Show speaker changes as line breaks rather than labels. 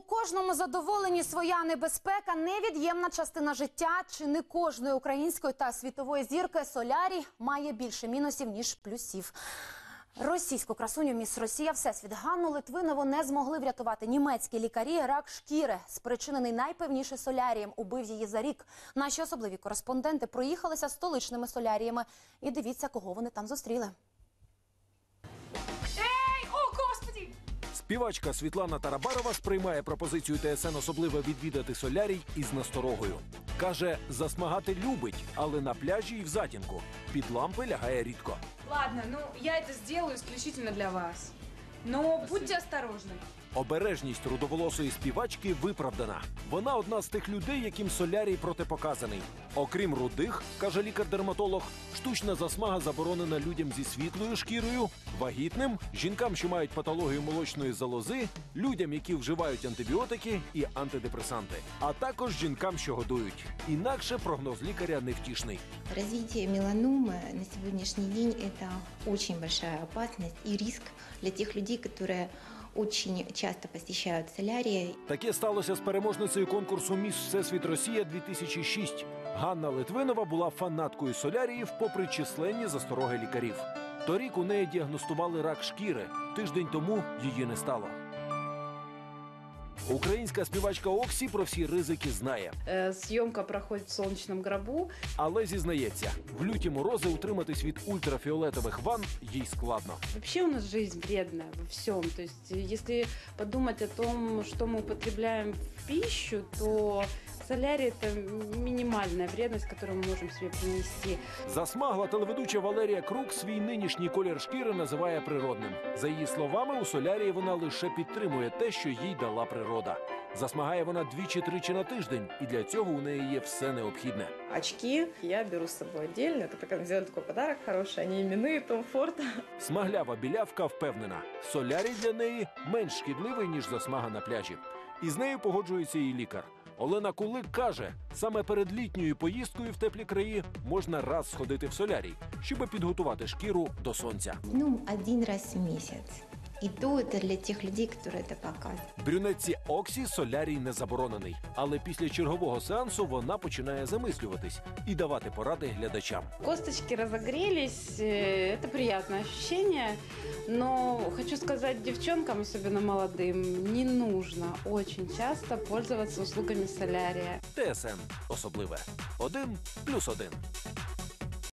кожному задоволенні своя небезпека – невід'ємна частина життя. Чи не кожної української та світової зірки солярій має більше мінусів, ніж плюсів. Російську красуню міс Росія Всесвіт Ганну Литвинову не змогли врятувати німецькі лікарі. Рак шкіри, спричинений найпевніше солярієм, убив її за рік. Наші особливі кореспонденти проїхалися столичними соляріями. І дивіться, кого вони там зустріли.
Співачка Світлана Тарабарова сприймає пропозицію ТСН особливо відвідати солярій із насторогою. Каже, засмагати любить, але на пляжі і в затінку. Під лампи лягає рідко.
Ладно, ну я это сделаю исключительно для вас. Но будьте осторожны.
Обережність рудоволосої співачки виправдана. Вона одна з тих людей, яким солярій протипоказаний. Окрім рудих, каже лікар-дерматолог, штучна засмага заборонена людям зі світлою шкірою, вагітним, жінкам, що мають патологію молочної залози, людям, які вживають антибіотики і антидепресанти, а також жінкам, що годують. Інакше прогноз лікаря невтішний.
Развитие меланомы на сегодняшний день – это очень большая опасность и риск для тех людей, которые очень часто посещают солярии.
Таке сталося з переможницею конкурсу «Міс Всесвіт Росія-2006». Ганна Литвинова була фанаткою соляріїв попри численні застороги лікарів. Торік у неї діагностували рак шкіри. Тиждень тому її не стало. Українська співачка Оксі про всі ризики знає.
Съемка проходит в солнечном гробу.
Але зізнається, в люті морози утриматись від ультрафіолетових ванн їй складно.
Вообще у нас жизнь вредная во всем. То есть, если подумать о том, что мы употребляем в пищу, то солярий – это минимальная вредность, которую мы можем себе принести.
Засмагла телеведуча Валерія Крук свій нинішній колір шкіри називає природним. За її словами, у солярії вона лише підтримує те, що їй дала природа. Засмагає вона 2-3 на тиждень, і для цього у неї є все необхідне.
Очки я беру с собой отдельно. Это такой, сделаю такой подарок хороший. Они именные Tom Ford.
Смаглява білявка впевнена, солярій для неї менш шкідливий, ніж засмага на пляжі. І з нею погоджується і лікар. Олена Кулик каже, саме перед літньою поїздкою в теплі краї можна раз сходити в солярій, щоб підготувати шкіру до сонця.
Ну, один раз в месяц. И то это для тех людей, которые это показывают.
Брюнетці Оксі солярій не заборонений, але після чергового сеансу вона починає замислюватись і давати поради глядачам.
Косточки разогрелись, это приятное ощущение. Но хочу сказать девчонкам, особенно молодым, не нужно очень часто пользоваться услугами солярия.
ТСН особливе. 1+1.